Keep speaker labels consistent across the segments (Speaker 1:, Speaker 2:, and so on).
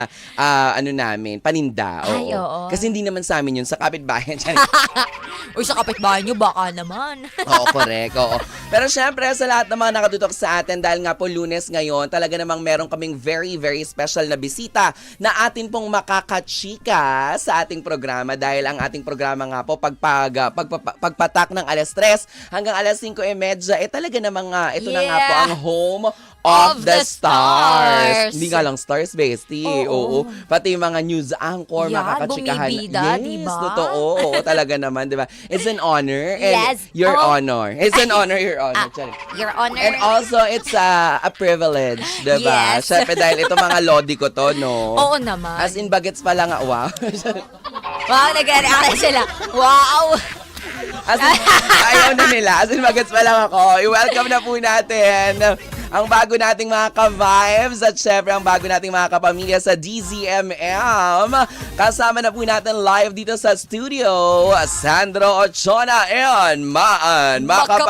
Speaker 1: ano namin, paninda.
Speaker 2: Ay,
Speaker 1: Oo.
Speaker 2: oo.
Speaker 1: Kasi hindi naman sa amin yun, sa kapitbahay.
Speaker 2: Uy, sa kapitbahay nyo, baka naman.
Speaker 1: Oo, correct. Oo. Pero syempre, sa lahat ng mga nakatutok sa atin, dahil nga po Lunes ngayon, talaga namang meron kaming very, very special na bisita na atin pong makakachika sa ating programa dahil ang ating programa nga po pagpatak ng alas 3 hanggang alas 5:30, talaga namang ito na nga po ang home of the stars. Hindi nga lang stars, bestie. Oo. Pati yung mga news anchor,
Speaker 2: Yan,
Speaker 1: makakachikahan.
Speaker 2: bumibida,
Speaker 1: yes,
Speaker 2: diba?
Speaker 1: Totoo. Oo, talaga naman, di ba? It's an honor. And
Speaker 2: Yes.
Speaker 1: your
Speaker 2: Oh.
Speaker 1: honor. It's an honor, your honor. Sorry.
Speaker 2: Your Honor.
Speaker 1: And also, it's a privilege, di ba?
Speaker 2: Yes.
Speaker 1: Siyempre, dahil ito mga lodi ko to, no?
Speaker 2: Oo naman.
Speaker 1: As in, bagets pa lang, wow.
Speaker 2: Wow, nag-react sila. Wow!
Speaker 1: As in, ayaw na nila. As in, bagets pa lang ako. I-welcome na po natin ang bago nating mga ka-vibes at syempre ang bago nating mga kapamilya sa DZMM. Kasama na po natin live dito sa studio, Sandro Ochona and Maan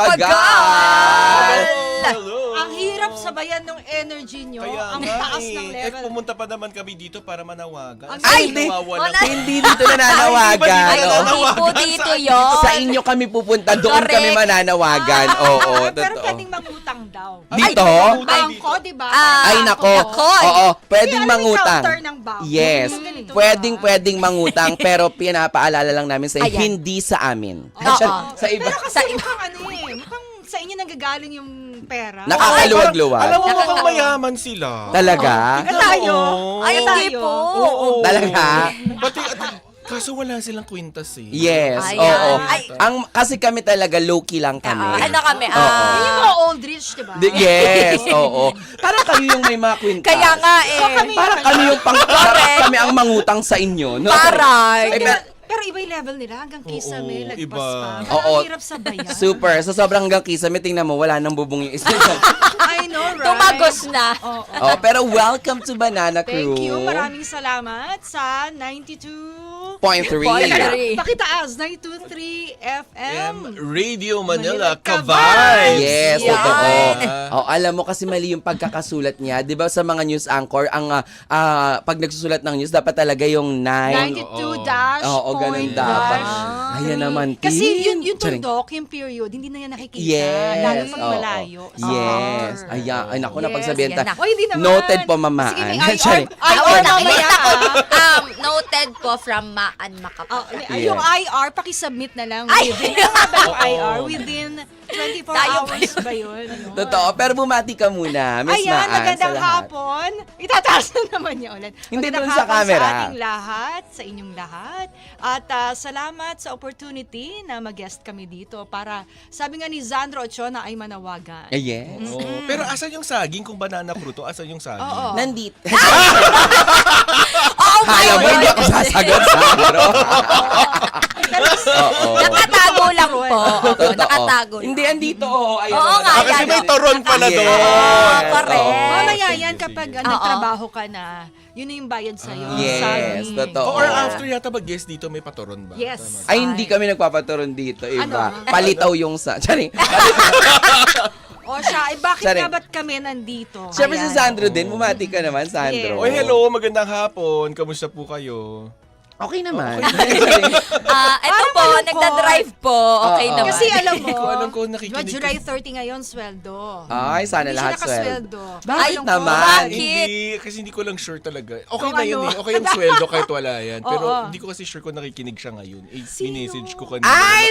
Speaker 1: Makapagal.
Speaker 3: Hello!
Speaker 4: Ang hirap sabayan ng energy nyo.
Speaker 3: Kaya
Speaker 4: Ang
Speaker 3: nga
Speaker 4: taas ng level.
Speaker 3: pumunta pa naman kami dito para manawagan.
Speaker 4: Ay,
Speaker 1: hindi.
Speaker 3: nawawala.
Speaker 1: Hindi dito nananawagan.
Speaker 3: Ay,
Speaker 1: Oo.
Speaker 2: Hindi po dito yun.
Speaker 1: Sa inyo kami pupunta, doon
Speaker 2: Correct.
Speaker 1: kami mananawagan. Oo,
Speaker 4: Pero
Speaker 1: totoo.
Speaker 4: pwedeng mangutang daw.
Speaker 1: Dito?
Speaker 4: Bangko, di ba?
Speaker 1: Ay, nako.
Speaker 2: Yakoy.
Speaker 1: Oo, pwedeng
Speaker 4: Kasi ano yung
Speaker 1: mangutang.
Speaker 4: counter ng bangko?
Speaker 1: Yes.
Speaker 4: Yung ganito,
Speaker 1: Pwedeng mangutang, pero pinapaalala lang namin sa
Speaker 2: Ayan.
Speaker 1: hindi sa amin.
Speaker 2: Oo.
Speaker 1: Sa iba.
Speaker 4: Pero kasi mukhang ano eh, mukhang sa inyo nanggagaling yung pera.
Speaker 1: Nakakaluwag-luwag.
Speaker 3: Alam mo, mukhang
Speaker 2: Nakakatawa.
Speaker 3: mayaman sila.
Speaker 1: Talaga?
Speaker 4: Ka tayo.
Speaker 3: Oo.
Speaker 2: Ay, hindi
Speaker 4: Tayo.
Speaker 2: po.
Speaker 3: Oo.
Speaker 1: Talaga?
Speaker 3: Pati, kaso wala silang kwintas eh.
Speaker 1: Yes,
Speaker 2: Ayan.
Speaker 1: oo.
Speaker 2: Ay.
Speaker 1: Kasi kami talaga low-key lang kami.
Speaker 2: Ano kami?
Speaker 1: Oo.
Speaker 4: Yun yung mga old rich, di ba?
Speaker 1: Yes, oo. Parang kayo yung may mga kwintas.
Speaker 2: Kaya nga eh.
Speaker 4: So, kami-
Speaker 1: Parang kami yung parang kami ang mangutang sa inyo. No?
Speaker 2: Parang.
Speaker 1: Eh,
Speaker 4: Pero iba yung level nila hanggang kisame, lagpas
Speaker 3: iba.
Speaker 4: pa.
Speaker 1: Oo.
Speaker 4: Ang hirap sabayan.
Speaker 1: Super. Sa sobrang hanggang kisame, tingnan mo, wala nang bubong yung isa.
Speaker 4: I know, right?
Speaker 2: Tumagos na.
Speaker 4: Oo.
Speaker 1: Oh, pero welcome to Banana Crew.
Speaker 4: Thank you. Maraming salamat sa 92...
Speaker 1: Point three.
Speaker 2: Three.
Speaker 4: Pakitaas, 92.3 FM.
Speaker 3: Radio Manila,
Speaker 4: Manila
Speaker 3: Ka-Vibes!
Speaker 1: Yes,
Speaker 2: Yan.
Speaker 1: totoo. Oh, alam mo kasi mali yung pagkakasulat niya. 'Di ba sa mga news anchor, ang pag nagsusulat ng news dapat talaga yung 9.
Speaker 4: 92 dash
Speaker 1: Oo, ganun
Speaker 4: point
Speaker 1: dapat.
Speaker 4: dash.
Speaker 1: Ayan naman,
Speaker 4: Kasi
Speaker 1: Tin.
Speaker 4: yung
Speaker 1: Charing.
Speaker 4: tuldok, yung period, hindi na yan nakikita.
Speaker 1: Yes.
Speaker 4: Lalo pag
Speaker 1: oo.
Speaker 4: malayo.
Speaker 1: Yes.
Speaker 4: Summer.
Speaker 1: Ayan. Ay, naku,
Speaker 4: Yes,
Speaker 1: napagsabihan
Speaker 2: yan
Speaker 1: ta.
Speaker 2: na.
Speaker 4: O, hindi naman.
Speaker 1: Noted po, mamaan.
Speaker 4: Sige, may
Speaker 1: Charing.
Speaker 4: IR mamaya.
Speaker 2: Noted po from Maan Makapagal.
Speaker 4: Ay, yung IR, pakisubmit na lang.
Speaker 2: Ay!
Speaker 4: Within, ano nga ba yung
Speaker 1: Oo.
Speaker 4: IR? Within 24
Speaker 2: Tayo ba
Speaker 4: hours ba yun? Ano?
Speaker 1: Totoo. Pero bumati ka muna, Miss
Speaker 4: Ayan,
Speaker 1: Maan, sa
Speaker 4: magandang
Speaker 1: lahat.
Speaker 4: hapon. Itataas na naman niya ulit.
Speaker 1: Hindi
Speaker 4: Magandang
Speaker 1: dun sa
Speaker 4: hapon
Speaker 1: camera.
Speaker 4: Sa ating lahat, sa inyong lahat. At salamat sa opportunity na mag-guest kami dito para, sabi nga ni Sandro Ochona, ay manawagan.
Speaker 1: Yes.
Speaker 3: Oo. Pero asan yung saging? Kung banana fruit to, asan yung saging?
Speaker 4: Oo.
Speaker 1: Nandito.
Speaker 2: Oh my
Speaker 1: Kala mo hindi ako sasagot, Sandro. Oo.
Speaker 2: Nakatago lang po. Oo,
Speaker 1: Totoo.
Speaker 2: nakatago lang.
Speaker 1: Hindi, andito. Ayun,
Speaker 2: Oo nga,
Speaker 3: kasi
Speaker 2: yan.
Speaker 3: may toron pala
Speaker 1: Yes.
Speaker 3: doon.
Speaker 2: correct.
Speaker 1: Oo.
Speaker 4: Mamaya yan kapag
Speaker 2: Oo.
Speaker 4: nagtrabaho ka na, yun na yung bayad sa'yo.
Speaker 1: Yes,
Speaker 4: Saging.
Speaker 1: totoo.
Speaker 3: Or after yata mag-guest dito, may patoron ba?
Speaker 4: Yes.
Speaker 3: Tama.
Speaker 1: Ay, hindi kami nagpapaturon dito, iba.
Speaker 4: Ano?
Speaker 1: Palitaw yung sa... Charing.
Speaker 4: O siya, eh bakit
Speaker 1: Sorry.
Speaker 4: nga ba't kami nandito?
Speaker 1: Siyempre si
Speaker 4: Ayan.
Speaker 1: Sandro din. Bumati ka naman, Sandro.
Speaker 4: Yes.
Speaker 3: Oy, hello, magandang hapon. Kamusta po kayo?
Speaker 1: Okay naman.
Speaker 2: Ito po,
Speaker 4: malungkot.
Speaker 2: nagda-drive po. Okay
Speaker 1: Oo.
Speaker 2: naman.
Speaker 4: Kasi alam mo,
Speaker 3: Hindi ko alam kung nakikinig ka.
Speaker 4: July 30 ngayon, sweldo.
Speaker 1: Ay, sana
Speaker 4: Hindi
Speaker 1: lahat
Speaker 4: siya nakasweldo.
Speaker 1: Bakit
Speaker 4: Malungkot.
Speaker 1: naman?
Speaker 2: Bakit?
Speaker 3: Hindi, kasi hindi ko lang sure talaga. Okay
Speaker 4: Kung
Speaker 3: na yun
Speaker 4: ano.
Speaker 3: eh. Okay yung sweldo kahit wala yan. Pero
Speaker 4: Oo.
Speaker 3: hindi ko kasi sure kung nakikinig siya ngayon. Eh,
Speaker 4: Sino?
Speaker 3: minessage ko kanina.
Speaker 1: Ay,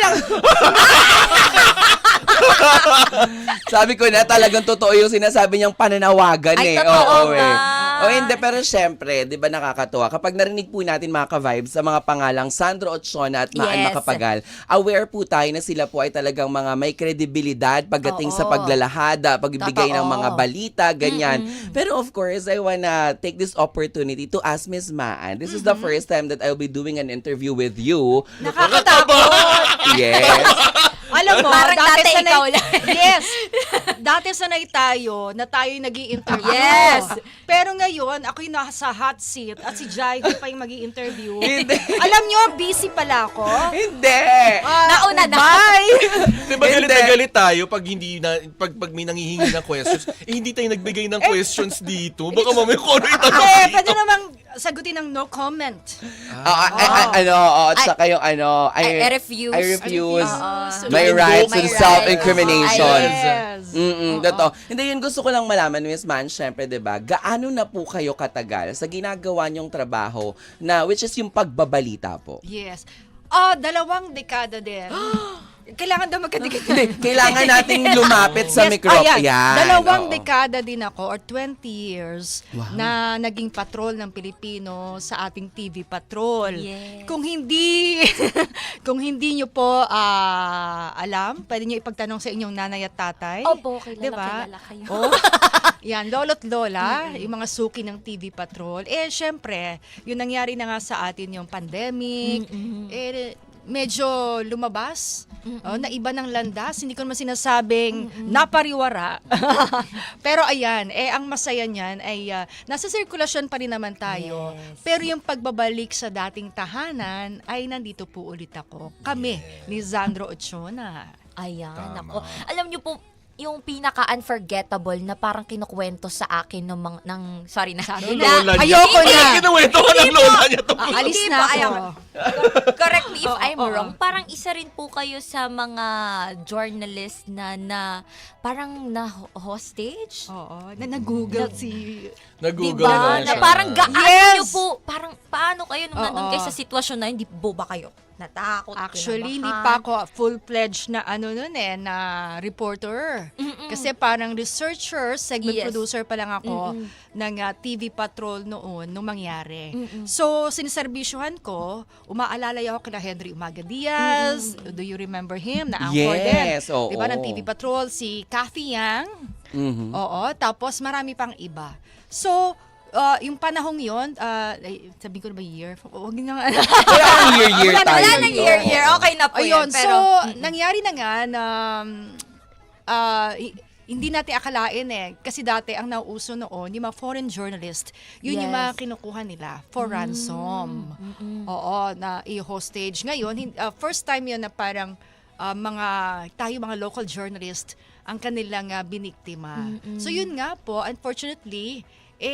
Speaker 1: sabi ko na talagang totoo yung sinasabi niyang pananawagan
Speaker 2: Ay,
Speaker 1: eh.
Speaker 2: totoo
Speaker 1: Oo,
Speaker 2: nga.
Speaker 1: O hindi, pero syempre, di ba nakakatuwa? Kapag narinig po natin mga ka-vibes sa mga pangalang Sandro Ochona at Maan
Speaker 2: Yes.
Speaker 1: Makapagal, aware po tayo na sila po ay talagang mga may kredibilidad pagdating sa
Speaker 2: Oo.
Speaker 1: paglalahada, pagbibigay ng
Speaker 2: Totoo.
Speaker 1: mga balita, ganyan. Pero of course, I wanna take this opportunity to ask Miss Maan. This is the first time that I'll be doing an interview with you.
Speaker 4: Nakakatakot.
Speaker 1: Yes.
Speaker 4: Alam mo,
Speaker 2: Parang dati
Speaker 4: sanay-
Speaker 2: ikaw lang.
Speaker 4: Yes. Dati sanay tayo na tayo'y nag-i-interview.
Speaker 2: Yes.
Speaker 4: Pero ngayon, ako'y nasa hot seat at si Jai pa yung mag-i-interview.
Speaker 1: Hindi.
Speaker 4: Alam nyo, busy pala ako.
Speaker 1: Hindi.
Speaker 2: Nauna na.
Speaker 4: Bye!
Speaker 3: Di ba galit
Speaker 1: Hindi.
Speaker 3: na galit tayo pag hindi na pag may nanghihingi ng questions, eh hindi tayo nagbigay ng questions dito. Baka mamaya kung ano itanong
Speaker 4: Eh,
Speaker 3: dito.
Speaker 4: pwede namang sagutin ng no comment.
Speaker 1: At saka yung
Speaker 2: I refuse.
Speaker 1: I refuse
Speaker 4: So,
Speaker 1: my
Speaker 3: to
Speaker 1: rights
Speaker 3: invoke
Speaker 1: and
Speaker 2: my
Speaker 1: self-incrimination.
Speaker 2: rights.
Speaker 4: Yes.
Speaker 1: Totoo. Hindi, yun gusto ko lang malaman, Miss Man, syempre, diba, gaano na po kayo katagal sa ginagawa niyong trabaho na, which is yung pagbabalita po?
Speaker 4: Yes. 2 dekada din. Kailangan daw magkadikit.
Speaker 1: Hindi, kailangan nating lumapit sa microphone.
Speaker 4: Ayan. 2
Speaker 1: oo.
Speaker 4: dekada din ako or 20 years na naging patrol ng Pilipino sa ating TV Patrol.
Speaker 2: Yes.
Speaker 4: Kung hindi kung hindi nyo po alam, pwede nyo ipagtanong sa inyong nanay at tatay.
Speaker 2: Opo, kilala,
Speaker 4: Diba?
Speaker 2: kilala kayo.
Speaker 4: Oh, yan, lolo't lola, yung mga suki ng TV Patrol. Syempre, yung nangyari na nga sa atin yung pandemic, medyo lumabas, na iba ng landas. Hindi ko naman sinasabing napariwara. Pero ayan, ang masaya niyan ay nasa sirkulasyon pa rin naman tayo.
Speaker 2: Yes.
Speaker 4: Pero yung pagbabalik sa dating tahanan ay nandito po ulit ako. Kami ni Zandro Ochona.
Speaker 2: Ayan,
Speaker 3: Tama.
Speaker 2: ako. Alam niyo po, yung pinaka-unforgettable na parang kinukwento sa akin ng sorry na.
Speaker 4: Sabi
Speaker 2: na-
Speaker 3: Lola niya.
Speaker 4: ayoko na.
Speaker 3: Ay, kinuwento ka ng lola niya to.
Speaker 4: Alis
Speaker 2: Hindi
Speaker 4: na
Speaker 2: po,
Speaker 4: ako.
Speaker 2: ayaw. Correct me if I'm
Speaker 4: Oo.
Speaker 2: wrong. Parang isa rin po kayo sa mga journalist na parang na hostage.
Speaker 4: Oo, na nag-google si...
Speaker 3: Nag-google
Speaker 2: Diba?
Speaker 3: na
Speaker 2: Na
Speaker 3: siya.
Speaker 2: parang gaano
Speaker 4: Yes.
Speaker 2: niyo po, parang paano kayo nung nandun
Speaker 4: Oo.
Speaker 2: kayo sa sitwasyon na hindi po ba kayo natakot?
Speaker 4: Actually, hindi
Speaker 2: kinabahan?
Speaker 4: pa ako full-fledged na na reporter. Kasi parang researcher, segment
Speaker 2: Yes.
Speaker 4: producer pa lang ako ng TV Patrol noon, nung mangyari. So, siniservisyohan ko, umaalalay ako kina Henry Umaga Diaz. Do you remember him? Na anchor
Speaker 1: Yes,
Speaker 4: din.
Speaker 1: oo.
Speaker 4: Diba, ng TV Patrol, si Kathy Yang.
Speaker 1: Mhm.
Speaker 4: Oo, tapos marami pang iba. So, yung panahong yon, sabi ko na ba year? Huwag nyo nga.
Speaker 1: Wala nang year-year
Speaker 2: Wala
Speaker 1: tayo.
Speaker 2: nang year. Okay na po
Speaker 4: Ayun,
Speaker 2: yan. Pero,
Speaker 4: nangyari na nga na hindi natin akalain kasi dati ang nauuso noon, yung mga foreign journalist, yun yung
Speaker 2: Yes.
Speaker 4: mga kinukuha nila for ransom. Oo, na i-hostage. Ngayon, first time yun na parang mga local journalist ang kanilang biniktima. So yun nga po, unfortunately,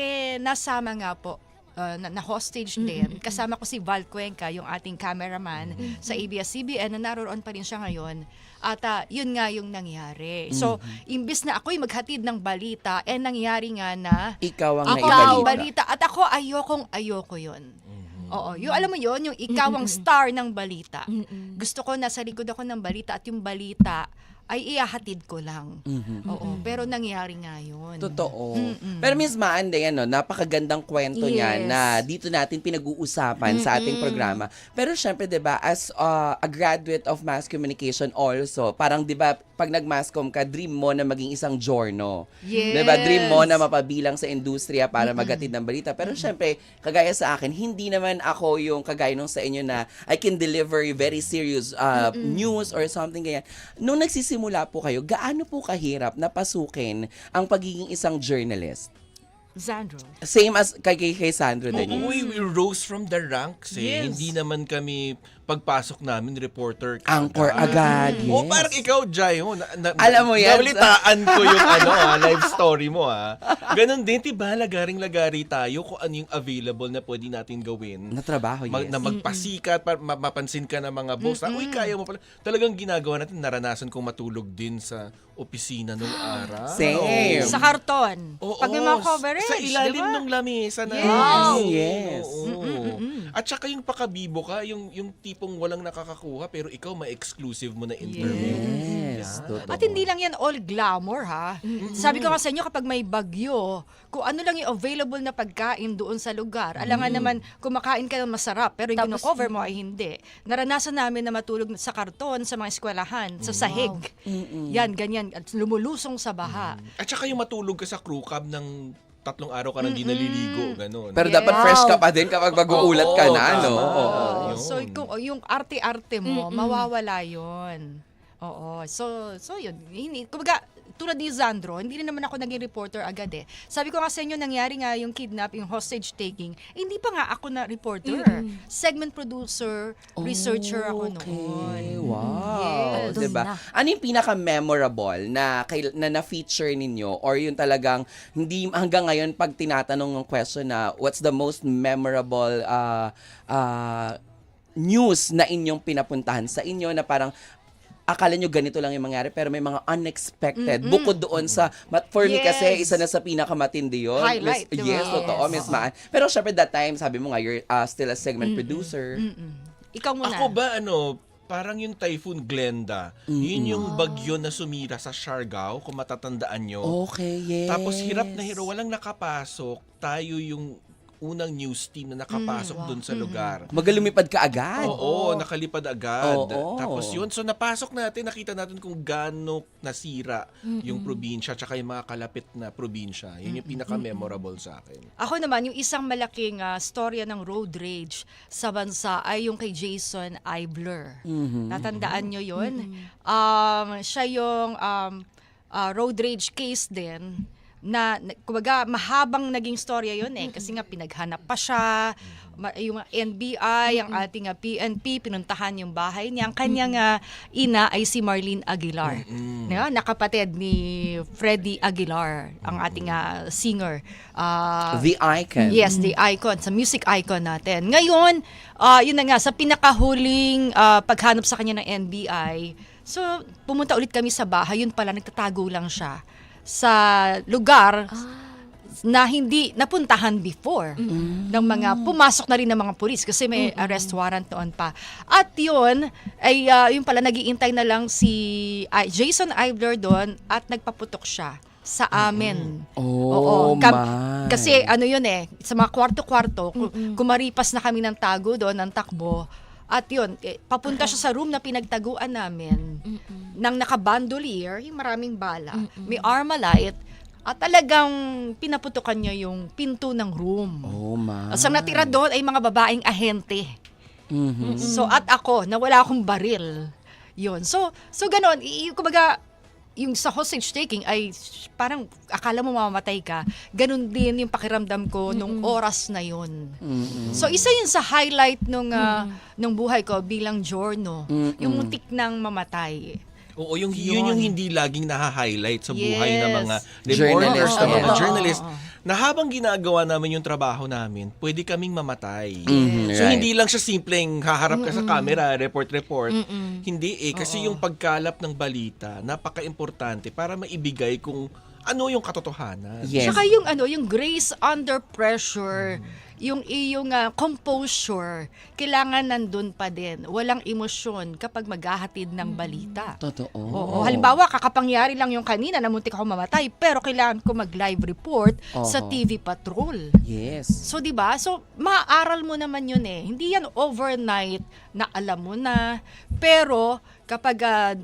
Speaker 4: nasama nga po na hostage din. Kasama ko si Val Cuenca, yung ating cameraman sa ABS-CBN na naroon pa rin siya ngayon. At yun nga yung nangyari. So, imbis na ako'y maghatid ng balita, nangyari nga na
Speaker 1: Ikaw ang
Speaker 4: ako ang
Speaker 1: naibalita.
Speaker 4: balita. At ako ayoko yun. Oo, yung alam mo yun, yung ikaw ang star ng balita. Gusto ko nasa likod ako ng balita at yung balita ay ihahatid ko lang. Oo, pero nangyari nga yun.
Speaker 1: Totoo. Pero Miss Maande, napakagandang kwento niya
Speaker 2: Yes.
Speaker 1: na dito natin pinag-uusapan sa ating programa. Pero syempre, 'di ba, as a graduate of mass communication also, parang 'di ba, pag nag-mass comm ka, dream mo na maging isang journo.
Speaker 4: Yes.
Speaker 1: 'Di ba? Dream mo na mapabilang sa industriya para maghatid ng balita. Pero syempre, kagaya sa akin, hindi naman ako yung kagaya nung sa inyo na I can deliver very serious news or something ganyan. Nung nagsisimula po kayo, gaano po kahirap na pasukin ang pagiging isang journalist?
Speaker 4: Zandro.
Speaker 1: Same as kay Sandro din.
Speaker 3: Oo, we rose from the ranks eh.
Speaker 4: Yes.
Speaker 3: Hindi naman kami pagpasok namin reporter.
Speaker 1: Anchor agad. Yes.
Speaker 3: O parang ikaw, Jai,
Speaker 1: Alam mo yan.
Speaker 3: Nabalitaan ko yung live story mo Ganon din, diba? Lagaring-lagari tayo kung ano yung available na pwede natin gawin.
Speaker 1: Na trabaho, yes.
Speaker 3: Na magpasikat, mapansin ka ng mga boss. Uy, kaya mo pala. Talagang ginagawa natin, naranasan kong matulog din sa opisina nung araw.
Speaker 1: Same.
Speaker 4: Sa karton.
Speaker 3: Oo,
Speaker 4: Pag may mga coverage,
Speaker 3: sa ilalim
Speaker 4: diba?
Speaker 3: ng lamesa na.
Speaker 1: Yes.
Speaker 3: Oo. At saka yung pakabibo ka, yung tipong walang nakakakuha pero ikaw ma-exclusive mo na interview.
Speaker 1: Yes, totoo.
Speaker 4: At hindi lang yan all glamour, ha? Sabi ko nga sa inyo, kapag may bagyo, kung ano lang yung available na pagkain doon sa lugar, alangan naman, kumakain ka ng masarap, pero yung
Speaker 2: Tapos,
Speaker 4: kino-cover mo ay hindi. Naranasan namin na matulog sa karton, sa mga eskwelahan, sa sahig. Yan, ganyan. At lumulusong sa baha.
Speaker 3: At saka yung matulog ka sa crew cab ng 3 araw ka nang di naliligo, gano'n.
Speaker 1: Pero dapat fresh ka pa din kapag mag-uulat ka na, no?
Speaker 3: tama.
Speaker 1: Oo.
Speaker 3: Yun.
Speaker 4: So, yung arte-arte mo, mawawala yun. Oo. So yun. Kumbaga, tulad ni Zandro, hindi rin naman ako naging reporter agad eh. Sabi ko nga sa inyo, nangyari nga yung kidnap, yung hostage taking, hindi pa nga ako na reporter. Segment producer, researcher ako noon.
Speaker 1: Wow.
Speaker 4: Yes.
Speaker 1: Diba?
Speaker 2: Doon na.
Speaker 1: Ano yung pinaka-memorable na na-feature ninyo or yung talagang hindi hanggang ngayon pag tinatanong ng question na what's the most memorable news na inyong pinapuntahan sa inyo na parang akala nyo ganito lang yung mangyari pero may mga unexpected bukod doon sa for me kasi
Speaker 4: Yes.
Speaker 1: isa na sa pinakamatindi yun.
Speaker 4: Highlight,
Speaker 1: Miss,
Speaker 4: diba?
Speaker 1: yes, totoo,
Speaker 2: Yes.
Speaker 1: Miss Maan. Pero syempre that time, sabi mo nga, you're still a segment producer.
Speaker 4: Ikaw muna.
Speaker 3: Ako ba, parang yung Typhoon Glenda, yun yung bagyo na sumira sa Siargao, kung matatandaan nyo.
Speaker 1: Okay, yes.
Speaker 3: Tapos hirap na hirap, walang nakapasok. Tayo yung unang news team na nakapasok dun sa lugar.
Speaker 1: Magalumipad ka agad.
Speaker 3: Oo, nakalipad agad.
Speaker 1: Oo.
Speaker 3: Tapos yun, so napasok natin, nakita natin kung gaano nasira yung probinsya tsaka yung mga kalapit na probinsya. Yun yung pinaka-memorable sa akin.
Speaker 4: Ako naman, yung isang malaking storya ng road rage sa bansa ay yung kay Jason Eibler. Natandaan nyo yun? Siya yung road rage case din na kumbaga mahabang naging storya yun eh kasi nga pinaghanap pa siya, yung NBI, ang ating PNP pinuntahan yung bahay niya. Ang kanyang ina ay si Marlene Aguilar, nakapatid ni Freddie Aguilar, ang ating singer.
Speaker 1: The icon.
Speaker 4: Yes, the icon, sa music icon natin. Ngayon, yun na nga, sa pinakahuling paghanap sa kanya ng NBI, so pumunta ulit kami sa bahay, yun pala, nagtatago lang siya sa lugar na hindi napuntahan before ng mga, pumasok na rin ng mga pulis kasi may arrest warrant noon pa. At yun, ay yun pala, nag-iintay na lang si Jason Eibler doon at nagpaputok siya sa amin.
Speaker 1: Oh, my.
Speaker 4: Kasi ano yun sa mga kwarto-kwarto, kumaripas na kami ng tago doon, ng takbo. At yun, papunta siya sa room na pinagtaguan namin ng nakabandolier, yung maraming bala, may Armalite, at talagang pinaputukan niya yung pinto ng room.
Speaker 1: Oh, my.
Speaker 4: At ang natira doon ay mga babaeng ahente. So, at ako, na wala akong baril. Yun. So ganon, kumbaga, yung sa hostage taking ay parang akala mo mamamatay ka. Ganon din yung pakiramdam ko nung oras na yun. So isa yun sa highlight nung buhay ko bilang Giorno. Yung muntik nang mamatay.
Speaker 3: Oo, yun yung hindi laging naha-highlight sa buhay ng mga
Speaker 4: Yes.
Speaker 3: reporters,
Speaker 1: Journalist,
Speaker 3: ng mga
Speaker 1: oo.
Speaker 3: journalists, na habang ginagawa namin yung trabaho namin, pwede kaming mamatay. So
Speaker 1: right.
Speaker 3: hindi lang siya simpleng haharap ka sa camera, report. Hindi kasi yung pagkalap ng balita, napaka-importante para maibigay kung ano yung katotohanan.
Speaker 1: Yes.
Speaker 4: Tsaka yung grace under pressure, yung iyong composure, kailangan nandun pa din. Walang emosyon kapag maghahatid ng balita.
Speaker 1: Totoo.
Speaker 4: Oo. Halimbawa, kakapangyari lang yung kanina na muntik ako mamatay, pero kailangan ko mag-live report sa TV Patrol.
Speaker 1: Yes.
Speaker 4: So, di ba? So, maaaral mo naman yun eh. Hindi yan overnight na alam mo na. Pero, kapag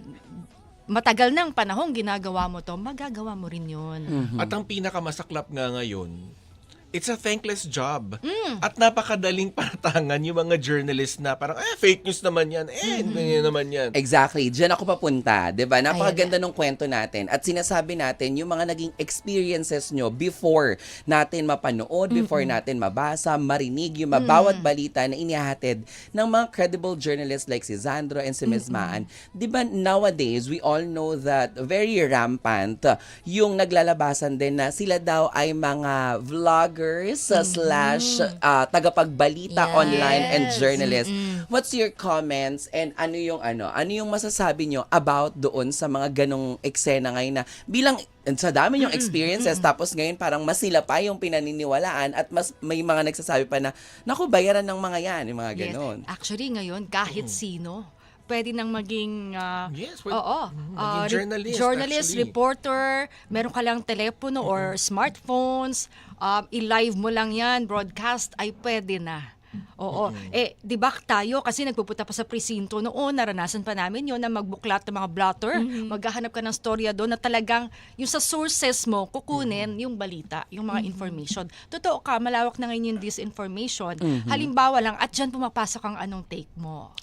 Speaker 4: matagal ng panahon ginagawa mo to, magagawa mo rin yun.
Speaker 3: At ang pinakamasaklap nga ngayon, it's a thankless job. At napakadaling patangan yung mga journalist na parang, fake news naman yan. Ganyan naman yan.
Speaker 1: Exactly. Diyan ako papunta. 'Di ba? Napakaganda ng kwento natin. At sinasabi natin yung mga naging experiences nyo before natin mapanood, before natin mabasa, marinig yung bawat balita na inihahatid ng mga credible journalists like si Zandro and si Ms. Maan. 'Di ba nowadays, we all know that very rampant yung naglalabasan din na sila daw ay mga vloggers slash tagapagbalita
Speaker 2: Yes.
Speaker 1: online and journalists. What's your comments and ano yung masasabi nyo about doon sa mga ganong eksena ngayon na bilang sa dami yung experiences tapos ngayon parang mas sila pa yung pinaniniwalaan at mas may mga nagsasabi pa na naku, bayaran ng mga yan, yung mga ganon.
Speaker 4: Yes. Actually, ngayon, kahit sino, pwede nang maging
Speaker 3: Yes,
Speaker 4: journalist,
Speaker 3: maging actually.
Speaker 4: reporter, meron ka lang telepono or smartphones, i-live mo lang yan, broadcast, ay pwede na. Oo. Eh, di ba tayo, kasi nagpupunta pa sa presinto noon, naranasan pa namin yun na magbuklat ng mga blotter, maghahanap ka ng storya doon na talagang yung sa sources mo, kukunin yung balita, yung mga information. Totoo ka, malawak na ngayon yung disinformation. Halimbawa lang, at dyan pumapasok ang anong take mo.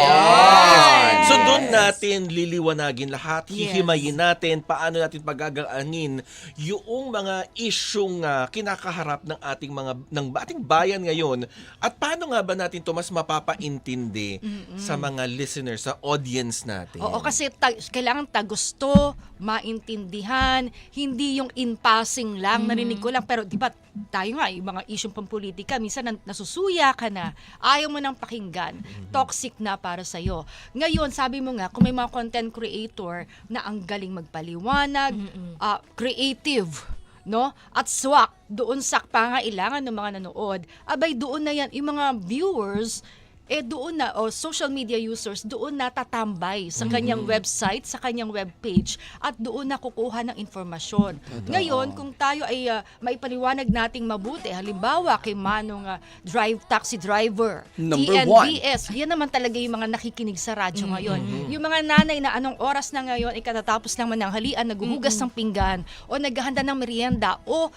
Speaker 1: Yun!
Speaker 3: So doon natin liliwanagin lahat,
Speaker 4: Yes.
Speaker 3: hihimayin natin, paano natin pagagaanin yung mga isyung kinakaharap ng ating ating bayan ngayon, at paano nga ba natin to mas mapapaintindi sa mga listeners, sa audience natin.
Speaker 4: Oo, kasi kailangan gusto, maintindihan, hindi yung in passing lang, narinig ko lang. Pero di ba tayo nga, yung mga isyong pampolitika, minsan nasusuya ka na, ayaw mo nang pakinggan, toxic na para sa'yo. Ngayon, sabi mo nga, kung may mga content creator na ang galing magpaliwanag, creative, no? At swak doon sa pangailangan ng mga nanood, abay doon na yan, yung mga viewers, doon na, social media users, doon na tatambay sa kanyang website, sa kanyang webpage, at doon na kukuha ng informasyon. Ngayon, kung tayo ay maipaliwanag nating mabuti, halimbawa kay Manong taxi driver,
Speaker 1: Number
Speaker 4: TNBS, yan naman talaga yung mga nakikinig sa radyo ngayon. Yung mga nanay na anong oras na ngayon, ikatatapos lang mananghalian, naghuhugas ng pinggan, o naghahanda ng merienda, o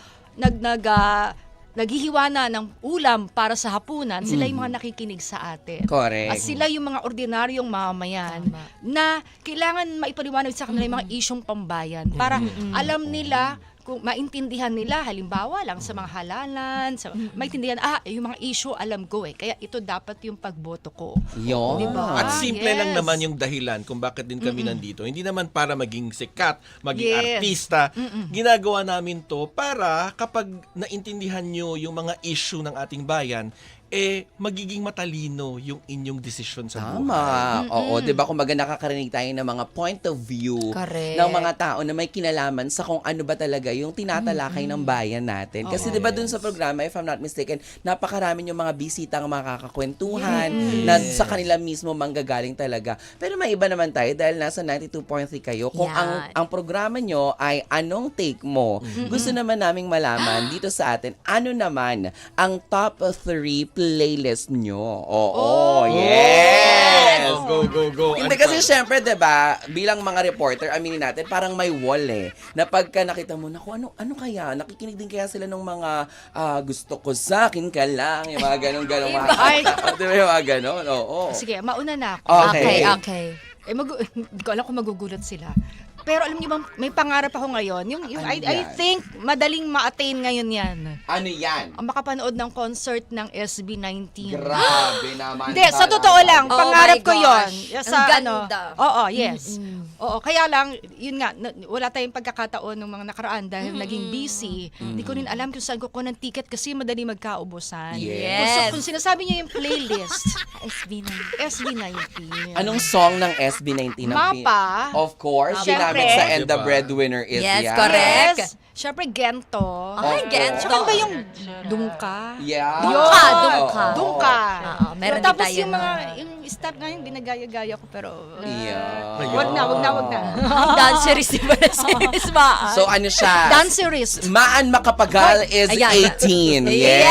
Speaker 4: naghihiwa na ng ulam para sa hapunan, sila yung mga nakikinig sa atin.
Speaker 1: Correct.
Speaker 4: At sila yung mga ordinaryong mamamayan na kailangan maipaliwanag sa kanila yung mga isyong pambayan para alam nila, kung maintindihan nila, halimbawa lang sa mga halalan, maintindihan, yung mga issue alam ko kaya ito dapat yung pagboto ko.
Speaker 1: Yun.
Speaker 4: Diba?
Speaker 3: At simple lang
Speaker 4: Yes.
Speaker 3: naman yung dahilan kung bakit din kami nandito. Hindi naman para maging sikat, maging
Speaker 4: Yes.
Speaker 3: artista. Ginagawa namin to para kapag naintindihan nyo yung mga issue ng ating bayan, magiging matalino yung inyong desisyon sa
Speaker 1: Tama.
Speaker 3: buhay.
Speaker 1: Oo, 'di ba? Kumbaga nakakarinig tayo ng mga point of view
Speaker 2: Correct.
Speaker 1: ng mga tao na may kinalaman sa kung ano ba talaga yung tinatalakay ng bayan natin. Kasi 'di ba dun sa programa, if I'm not mistaken, napakarami yung mga bisitang makakakwentuhan na sa kanila mismo manggagaling talaga. Pero may iba naman tayo dahil nasa 92.3 kayo. Kung
Speaker 2: Yan.
Speaker 1: ang programa nyo ay anong take mo, gusto naman naming malaman dito sa atin, ano naman ang top 3 playlist nyo. Oo, yes!
Speaker 3: Go.
Speaker 1: Hindi kasi syempre, 'di ba, bilang mga reporter, aminin natin, parang may wall na pagka nakita mo, naku, ano kaya? Nakikinig din kaya sila ng mga gusto ko sa akin ka lang, yung mga ganun-ganun.
Speaker 4: Ay.
Speaker 1: Di ba yung mga ganun? Oo.
Speaker 4: Sige, mauna na ako.
Speaker 1: Okay.
Speaker 2: Okay.
Speaker 4: Hindi ko alam kung magugulat sila. Pero alam niyo ba, may pangarap ako ngayon. Yung
Speaker 1: Ano
Speaker 4: I
Speaker 1: yan?
Speaker 4: think madaling ma-attain ngayon yan.
Speaker 1: Ano yan?
Speaker 4: Ang makapanood ng concert ng SB19.
Speaker 1: Grabe naman.
Speaker 4: Hindi, sa totoo lang,
Speaker 2: Oh
Speaker 4: pangarap
Speaker 2: my
Speaker 4: ko yon.
Speaker 2: gosh.
Speaker 4: Sa
Speaker 2: Ang ganda.
Speaker 4: Oo, yes. Oo, kaya lang, yun nga, wala tayong pagkakataon ng mga nakaraan dahil naging busy. Hindi ko rin alam kung saan ko ng ticket kasi madali magkaubusan.
Speaker 2: Yes.
Speaker 4: Kung sinasabi niyo yung playlist,
Speaker 2: SB9.
Speaker 4: SB19.
Speaker 1: Anong song ng SB19?
Speaker 4: Mapa.
Speaker 1: Of course,
Speaker 4: Siyempre.
Speaker 1: ginamit sa And the
Speaker 3: Diba?
Speaker 1: Breadwinner is
Speaker 2: Yes,
Speaker 1: yan.
Speaker 2: correct.
Speaker 4: Yes. Siyempre, Gento.
Speaker 2: Ay, Gento.
Speaker 4: Saka ba yung Dungka?
Speaker 1: Yeah.
Speaker 2: Dungka,
Speaker 1: Oo.
Speaker 2: Dungka.
Speaker 4: Dungka.
Speaker 2: Oo, meron din
Speaker 4: Tapos
Speaker 2: tayo
Speaker 4: yung mga,
Speaker 2: nun.
Speaker 4: yung staff nga yung ginagaya-gaya ko pero
Speaker 1: Yeah.
Speaker 4: wag na.
Speaker 2: Danceries di ba na si Miss Maan?
Speaker 1: So ano siya?
Speaker 4: Dancerist.
Speaker 1: Maan Makapagal is
Speaker 2: Ayan.
Speaker 1: 18.
Speaker 2: Yes!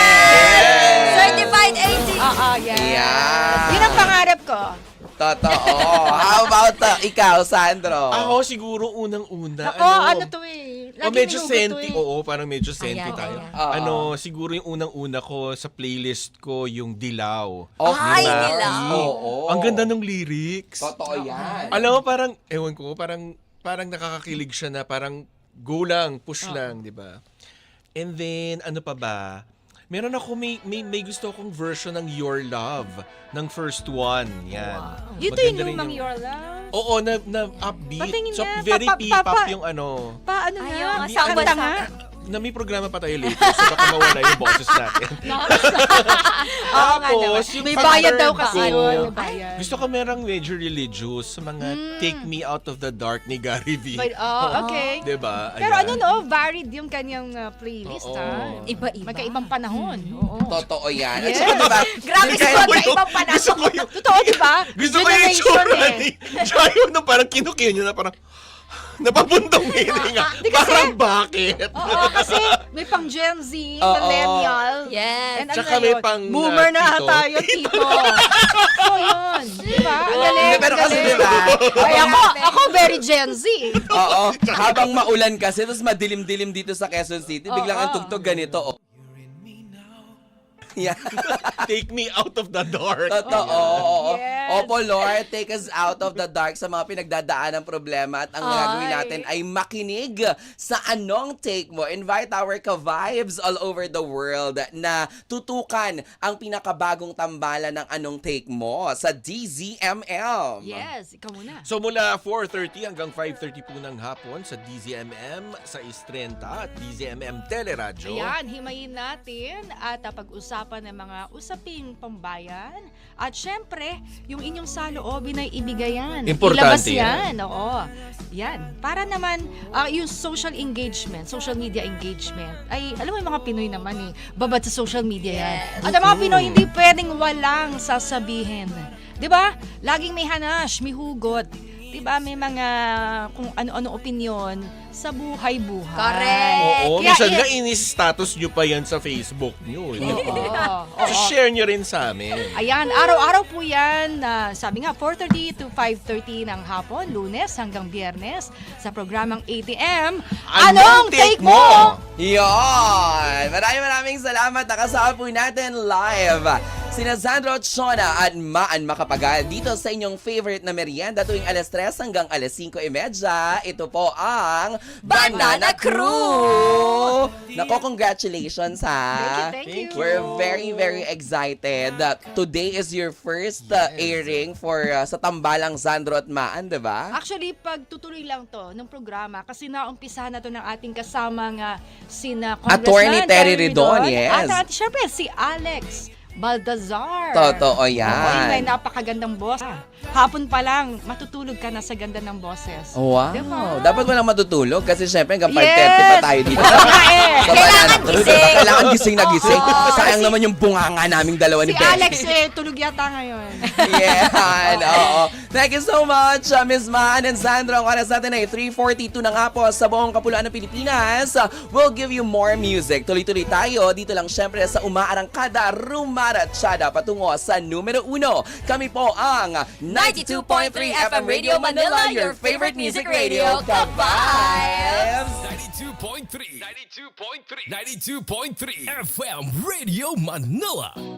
Speaker 1: Yes!
Speaker 2: Certified 18.
Speaker 4: Yes.
Speaker 1: Yeah.
Speaker 4: Yun ang pangarap ko.
Speaker 1: Totoo. How about ikaw, Sandro?
Speaker 3: Ako siguro unang-una.
Speaker 4: Ako, ano to eh. Lagi
Speaker 3: Medyo
Speaker 4: nilugot
Speaker 3: senti.
Speaker 4: to eh.
Speaker 3: Oo, parang medyo senti
Speaker 2: Ayan,
Speaker 3: tayo.
Speaker 2: ayan.
Speaker 3: Siguro yung unang-una ko sa playlist ko, yung Dilaw.
Speaker 2: Ay,
Speaker 3: Ni Maki.
Speaker 2: Dilaw.
Speaker 1: Oo.
Speaker 3: Ang ganda ng lyrics.
Speaker 1: Totoo yan.
Speaker 3: Alam mo, parang, ewan ko, parang nakakakilig siya na parang go lang, push lang, di ba? And then, ano pa ba? Meron ako, may gusto akong version ng Your Love, ng first one. Yan.
Speaker 4: Ito
Speaker 3: Maganda
Speaker 4: yung
Speaker 3: rin
Speaker 4: lumang Your Love.
Speaker 3: Oo, na upbeat.
Speaker 4: Patingin
Speaker 3: So,
Speaker 4: nga.
Speaker 3: very P-pop
Speaker 4: Pa-
Speaker 3: yung ano.
Speaker 4: Paano
Speaker 2: Ay,
Speaker 4: nga?
Speaker 2: yung
Speaker 3: Hindi,
Speaker 2: asawa
Speaker 4: Kanta
Speaker 2: sa-
Speaker 4: nga.
Speaker 3: Na may programa pa tayo later, so baka mawala yung boses natin.
Speaker 4: Oo nga naman.
Speaker 3: yung
Speaker 4: May bayad daw
Speaker 3: pag-turn
Speaker 4: kasi
Speaker 3: ko,
Speaker 4: yun. May bayad.
Speaker 3: Gusto ko merang medyo religious sa mga Take Me Out of the Dark ni Gary V.
Speaker 4: Okay.
Speaker 3: Diba?
Speaker 4: Pero
Speaker 3: Ayan.
Speaker 4: ano no, varied yung kanyang playlist
Speaker 3: Oo.
Speaker 4: ha.
Speaker 2: Iba-iba.
Speaker 4: Magkaibang panahon. Oo.
Speaker 1: Totoo yan. At
Speaker 4: Yes.
Speaker 1: saka diba,
Speaker 2: Grabe
Speaker 1: kahit-
Speaker 2: sa magkaibang panahon.
Speaker 3: Gusto ko yung,
Speaker 4: Totoo, di ba?
Speaker 3: gusto ko yung
Speaker 4: Generation
Speaker 3: itsura
Speaker 4: eh.
Speaker 3: ni Chayo na parang kinukiyo niya na parang, Napabundong meaning nga.
Speaker 4: Di kasi-
Speaker 3: Parang bakit?
Speaker 4: Oo, kasi may pang Gen Z,
Speaker 1: Oo.
Speaker 4: millennial.
Speaker 2: Yes.
Speaker 4: And ano
Speaker 3: Tsaka
Speaker 4: na
Speaker 3: may
Speaker 4: yun?
Speaker 3: pang,
Speaker 4: Boomer na
Speaker 3: tito.
Speaker 4: tayo, tito. So yun, di ba? Ang galing,
Speaker 1: Hindi, pero
Speaker 4: ang
Speaker 1: kasi
Speaker 4: galing.
Speaker 1: diba,
Speaker 4: Ay, ako very Gen Z.
Speaker 1: Oo, habang maulan kasi, tapos madilim-dilim dito sa Quezon City, biglang
Speaker 4: Oo.
Speaker 1: ang tugtog ganito. Oh. Yeah.
Speaker 3: Take me out of the dark.
Speaker 1: Totoo. Oo.
Speaker 4: Yes.
Speaker 1: Opo, Lord, take us out of the dark sa mga pinagdadaan ng problema at ang gagawin
Speaker 4: Ay.
Speaker 1: natin ay makinig sa Anong Take Mo. Invite our ka-vibes all over the world na tutukan ang pinakabagong tambalan ng Anong Take Mo sa DZMM.
Speaker 4: Yes, ikaw muna.
Speaker 3: So mula 4:30 hanggang 5:30 po ng hapon sa DZMM, sa Istrenta at DZMM Teleradyo.
Speaker 4: Ayan, himayin natin at pag-usapan ng mga usaping pambayan. At syempre, yung inyong saloobin ay ibigayan.
Speaker 3: Importante
Speaker 4: Ilabas yan. Oo. Yan. Para naman, yung social engagement, social media engagement, ay, alam mo yung mga Pinoy naman babad sa social media yan.
Speaker 2: Yes.
Speaker 4: At ang mga Pinoy, hindi pwedeng walang sasabihin. 'Di ba? Laging may hanash, may hugot. 'Di ba? May mga kung ano-ano opinyon sa buhay-buhay.
Speaker 2: Correct.
Speaker 3: Oo,
Speaker 4: Kaya
Speaker 3: minsan
Speaker 4: i-
Speaker 3: nga ini-status nyo pa yan sa Facebook nyo.
Speaker 4: Oo.
Speaker 3: So share nyo rin sa amin.
Speaker 4: Ayan, araw-araw po yan. Sabi nga, 4:30 to 5:30 ng hapon, Lunes hanggang Biyernes, sa programang ATM. Anong Take Mo?
Speaker 1: Yon! Maraming salamat. Nakasama po natin live sina Sandro Chona at Maan Makapagal dito sa inyong favorite na merienda tuwing alas 3 hanggang alas 5:30. Ito po ang Banana Crew! Nako, congratulations ha!
Speaker 4: Thank you.
Speaker 1: We're very, very excited. Today is your first airing for sa Tambalang Sandro at Maan, di ba?
Speaker 4: Actually, pagtutuloy lang to ng programa kasi naumpisahan na to ng ating kasamang sina
Speaker 1: Attorney
Speaker 4: Congressman
Speaker 1: Terry Ridon, yes.
Speaker 4: At syempre, si Alex Baltazar.
Speaker 1: Totoo
Speaker 4: Oo, yung may
Speaker 1: yan.
Speaker 4: napakagandang boss. Hapon pa lang, matutulog ka na sa ganda ng boses.
Speaker 1: Wow.
Speaker 4: Diba?
Speaker 1: Dapat walang matutulog kasi syempre hanggang 5:30
Speaker 4: Yes.
Speaker 1: pa tayo dito.
Speaker 4: Oo nga eh.
Speaker 1: Sa
Speaker 2: Kailangan
Speaker 1: Banana Crew,
Speaker 2: gising.
Speaker 1: diba? Kailangan gising na gising.
Speaker 4: Oo.
Speaker 1: Sayang naman yung bunganga naming dalawa ni
Speaker 4: Si
Speaker 1: Ben.
Speaker 4: Alex tulog yata ngayon.
Speaker 1: Yan, oo. Thank you so much, Miss Maan and Sandro. Ang oras natin ay 3:42 na nga po sa buong kapuluan ng Pilipinas. We'll give you more music. Tuloy-tuloy tayo dito lang syempre sa Umaarangkada, Rumaratsyada patungo sa numero 1. Kami po ang
Speaker 2: 92.3 FM Radio Manila, your favorite music radio. Ka-vibes!
Speaker 5: 92.3 92.3 92.3 FM Radio Manila.